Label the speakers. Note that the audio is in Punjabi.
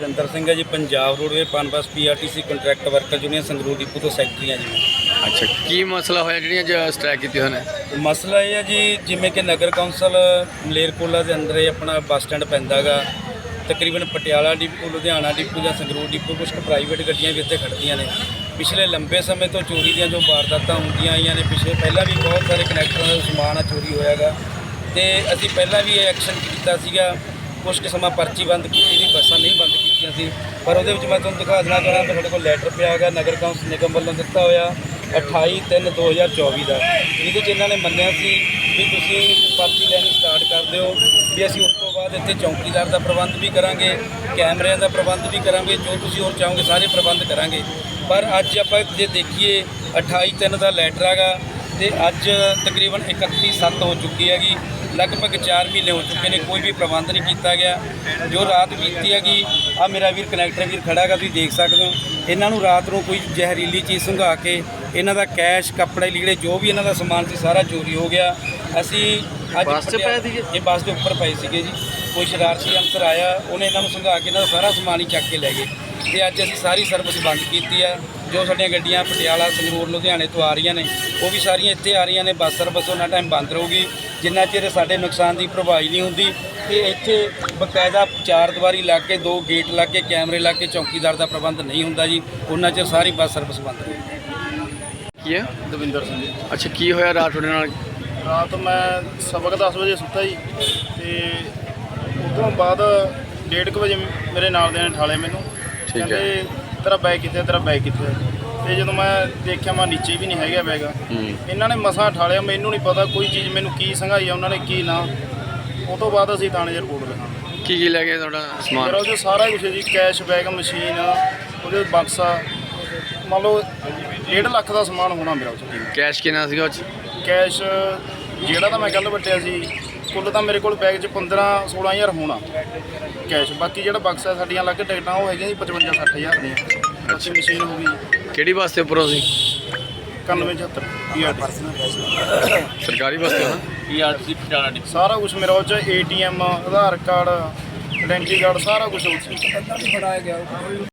Speaker 1: ਜਤਿੰਦਰ ਸਿੰਘ है ji, Punjab roadway Punbus PRTC contract worker union Sangrur depot तो सैकਟਰੀ ਹਾਂ जी।
Speaker 2: ਅੱਛਾ, ਕੀ ਮਸਲਾ ਹੋਇਆ ਜਿਹੜੀਆਂ ਸਟ੍ਰਾਈਕ ਕੀਤੀ ਹੋਣੇ?
Speaker 1: ਮਸਲਾ ਇਹ ਹੈ ਜੀ, ਜਿਵੇਂ ਕਿ ਨਗਰ ਕੌਂਸਲ ਮਲੇਰਕੋਟਲਾ ਦੇ ਅੰਦਰ ਇਹ ਆਪਣਾ ਬੱਸ ਸਟੈਂਡ ਪੈਂਦਾ ਗਾ, ਤਕਰੀਬਨ ਪਟਿਆਲਾ ਡਿਪੂ, ਲੁਧਿਆਣਾ ਡਿਪੂ ਜਾਂ ਸੰਗਰੂਰ ਡਿਪੂ ਕੁਝ ਪ੍ਰਾਈਵੇਟ ਗੱਡੀਆਂ ਵੀ ਇੱਥੇ ਖੜ੍ਹਦੀਆਂ ਨੇ। ਪਿਛਲੇ ਲੰਬੇ ਸਮੇਂ ਤੋਂ ਚੋਰੀ ਦੀਆਂ ਜੋ ਵਾਰਦਾਤਾਂ ਹੁੰਦੀਆਂ ਆਈਆਂ ਨੇ, ਪਹਿਲਾਂ ਵੀ ਬਹੁਤ ਸਾਰੇ ਕਨੈਕਟਰਾਂ ਦਾ ਸਮਾਨ ਚੋਰੀ ਹੋਇਆ ਗਾ, ਤੇ ਅਸੀਂ ਪਹਿਲਾਂ ਵੀ ਇਹ ਐਕਸ਼ਨ ਕੀਤਾ ਸੀਗਾ। ਕੁਛ ਕੁ ਸਮਾਂ ਪਰਚੀ ਬੰਦ ਕੀਤੀ ਸੀ, ਬੱਸਾਂ ਨਹੀਂ ਬੰਦ ਕੀਤੀਆਂ ਸੀ, ਪਰ ਉਹਦੇ ਵਿੱਚ ਮੈਂ ਤੁਹਾਨੂੰ ਦਿਖਾ ਦੇਣਾ ਚਾਹੁੰਦਾ, ਸਾਡੇ ਕੋਲ ਲੈਟਰ ਪਿਆ ਗਾ ਨਗਰ ਕੌਂਸਲ ਨਿਗਮ ਵੱਲੋਂ ਦਿੱਤਾ ਹੋਇਆ 28/3/2024 ਦਾ, ਜਿਹਦੇ 'ਚ ਇਹਨਾਂ ਨੇ ਮੰਨਿਆ ਸੀ ਵੀ ਤੁਸੀਂ ਪਰਚੀ ਲੈਣੀ ਸਟਾਰਟ ਕਰ ਦਿਓ, ਵੀ ਅਸੀਂ ਉਸ ਤੋਂ ਬਾਅਦ ਇੱਥੇ ਚੌਕੀਦਾਰ ਦਾ ਪ੍ਰਬੰਧ ਵੀ ਕਰਾਂਗੇ, ਕੈਮਰਿਆਂ ਦਾ ਪ੍ਰਬੰਧ ਵੀ ਕਰਾਂਗੇ, ਜੋ ਤੁਸੀਂ ਹੋਰ ਚਾਹੋਗੇ ਸਾਰੇ ਪ੍ਰਬੰਧ ਕਰਾਂਗੇ। ਪਰ ਅੱਜ ਆਪਾਂ ਜੇ ਦੇਖੀਏ 28/3 ਦਾ ਲੈਟਰ ਹੈਗਾ, ਤੇ ਅੱਜ ਤਕਰੀਬਨ 31/7 ਹੋ ਚੁੱਕੀ ਹੈਗੀ, ਲਗਭਗ 4 ਮਹੀਨੇ ਹੋ ਚੁੱਕੇ ਨੇ, ਕੋਈ ਵੀ ਪ੍ਰਬੰਧ ਨਹੀਂ ਕੀਤਾ ਗਿਆ। ਜੋ ਰਾਤ ਬੀਤੀ ਹੈਗੀ, ਆ ਮੇਰਾ ਵੀਰ ਕਨੈਕਟਰ ਵੀਰ ਖੜਾ ਹੈਗਾ, ਤੁਸੀਂ ਦੇਖ ਸਕਦੇ ਹੋ, ਇਹਨਾਂ ਨੂੰ ਰਾਤ ਨੂੰ ਕੋਈ ਜ਼ਹਿਰੀਲੀ ਚੀਜ਼ ਸੁੰਘਾ ਕੇ ਇਹਨਾਂ ਦਾ ਕੈਸ਼, ਕੱਪੜੇ, ਲੀੜੇ, ਜੋ ਵੀ ਇਹਨਾਂ ਦਾ ਸਮਾਨ ਸੀ ਸਾਰਾ ਚੋਰੀ ਹੋ ਗਿਆ। ਅਸੀਂ ਅੱਜ ਇਹ ਬੱਸ ਦੇ ਉੱਪਰ ਪਏ ਸੀਗੇ ਜੀ, ਕੋਈ ਸ਼ਰਾਰਤੀ ਅਨਸਰ ਆਇਆ, ਉਹਨੇ ਇਹਨਾਂ ਨੂੰ ਸੁੰਘਾ ਕੇ ਇਹਨਾਂ ਦਾ ਸਾਰਾ ਸਮਾਨ ਹੀ ਚੱਕ ਕੇ ਲੈ ਗਏ, ਤੇ ਅੱਜ ਅਸੀਂ ਸਾਰੀ ਸਰਵਿਸ ਬੰਦ ਕੀਤੀ ਆ। ਜੋ ਸਾਡੀਆਂ ਗੱਡੀਆਂ ਪਟਿਆਲਾ, ਸੰਗਰੂਰ, ਲੁਧਿਆਣੇ ਤੋਂ ਆ ਰਹੀਆਂ ਨੇ, ਉਹ ਵੀ ਸਾਰੀਆਂ ਇੱਥੇ ਆ ਰਹੀਆਂ ਨੇ। ਬੱਸ ਸਰਵਿਸ ਉਹਨਾਂ ਟਾਈਮ ਬੰਦ ਰਹੂਗੀ ਜਿੰਨਾ ਚਿਰ ਸਾਡੇ ਨੁਕਸਾਨ ਦੀ ਭਰਪਾਈ ਨਹੀਂ ਹੁੰਦੀ। ਤੇ ਇੱਥੇ ਬਕਾਇਦਾ 4 ਦੀਵਾਰੀ ਲਾ ਕੇ, 2 ਗੇਟ ਲਾ ਕੇ, ਕੈਮਰੇ ਲਾ ਕੇ, ਚੌਕੀਦਾਰ ਦਾ ਪ੍ਰਬੰਧ ਨਹੀਂ ਹੁੰਦਾ ਜੀ, ਉਹਨਾਂ ਚਿਰ ਸਾਰੀ ਬੱਸ ਸਰਵਿਸ ਬੰਦ ਰਹੂਗੀ।
Speaker 2: ਕੀ ਹੈ?
Speaker 3: ਦਵਿੰਦਰ ਸਿੰਘ ਜੀ।
Speaker 2: ਅੱਛਾ, ਕੀ ਹੋਇਆ ਰਾਤ ਤੁਹਾਡੇ ਨਾਲ?
Speaker 3: ਰਾਤ ਮੈਂ ਸਬਕ 10 ਵਜੇ ਸੁੱਤਾ ਜੀ, ਤੇ ਉਸ ਤੋਂ ਬਾਅਦ 1:30 ਵਜੇ ਮੇਰੇ ਨਾਲ ਦੇ ਨੇ ਠਾਲੇ ਮੈਨੂੰ, ਕਹਿੰਦੇ ਤੇਰਾ ਬੈਗ ਕਿੱਥੇ, ਤੇਰਾ ਬੈਗ ਕਿੱਥੇ। ਤੇ ਜਦੋਂ ਮੈਂ ਦੇਖਿਆ, ਮੈਂ ਨੀਚੇ ਵੀ ਨਹੀਂ ਹੈਗਾ ਬੈਗ। ਇਹਨਾਂ ਨੇ ਮਸਾਂ ਠਾਲਿਆ, ਮੈਨੂੰ ਨਹੀਂ ਪਤਾ ਕੋਈ ਚੀਜ਼, ਮੈਨੂੰ ਕੀ ਸੰਘਾਈ ਆ ਉਹਨਾਂ ਨੇ, ਕੀ ਨਾ। ਉਹ ਤੋਂ ਬਾਅਦ ਅਸੀਂ ਥਾਣੇ 'ਚ ਰਿਪੋਰਟ ਲਿਖਾਂਗੇ।
Speaker 2: ਕੀ ਲੈ ਗਏ ਤੁਹਾਡਾ ਸਮਾਨ?
Speaker 3: ਮੇਰਾ ਉਹਦੇ ਸਾਰਾ ਕੁਛ ਜੀ, ਕੈਸ਼, ਬੈਗ, ਮਸ਼ੀਨ, ਉਹਦੇ ਬਕਸਾ, ਮੰਨ ਲਓ 1.5 ਲੱਖ ਦਾ ਸਮਾਨ ਹੋਣਾ ਮੇਰਾ ਉਸ 'ਚ।
Speaker 2: ਕੈਸ਼ ਕਿੰਨਾ ਸੀਗਾ ਉਹ 'ਚ?
Speaker 3: ਕੈਸ਼ ਜਿਹੜਾ ਤਾਂ ਮੈਂ ਕੱਲ੍ਹ ਵੱਟਿਆ ਸੀ, ਕੁੱਲ ਤਾਂ ਮੇਰੇ ਕੋਲ ਬੈਗ 'ਚ 15-16 ਹਜ਼ਾਰ ਹੋਣਾ ਕੈਸ਼। ਬਾਕੀ ਜਿਹੜਾ ਬਕਸਾ ਸਾਡੀਆਂ ਅਲੱਗ ਟਿਕਟਾਂ ਉਹ ਹੈਗੀਆਂ ਜੀ 55-60 ਹਜ਼ਾਰ ਦੀਆਂ। ਅੱਛੀ ਮਸ਼ੀਨ ਹੋ ਗਈ।
Speaker 2: ਕਿਹੜੀ ਬੱਸ ਦੇ ਉੱਪਰੋਂ ਸੀ?
Speaker 3: 91-76
Speaker 2: ਸਰਕਾਰੀ ਬੱਸ ਤੇ ਨਾ?
Speaker 1: PRTC ਪਟਿਆਲਾ ਡਿਪੂ
Speaker 3: ਸਾਰਾ ਕੁਝ ਮੇਰਾ ਉਹ 'ਚ ATM, Aadhaar card, identity card, ਸਾਰਾ ਕੁਝ ਉਹ 'ਚ।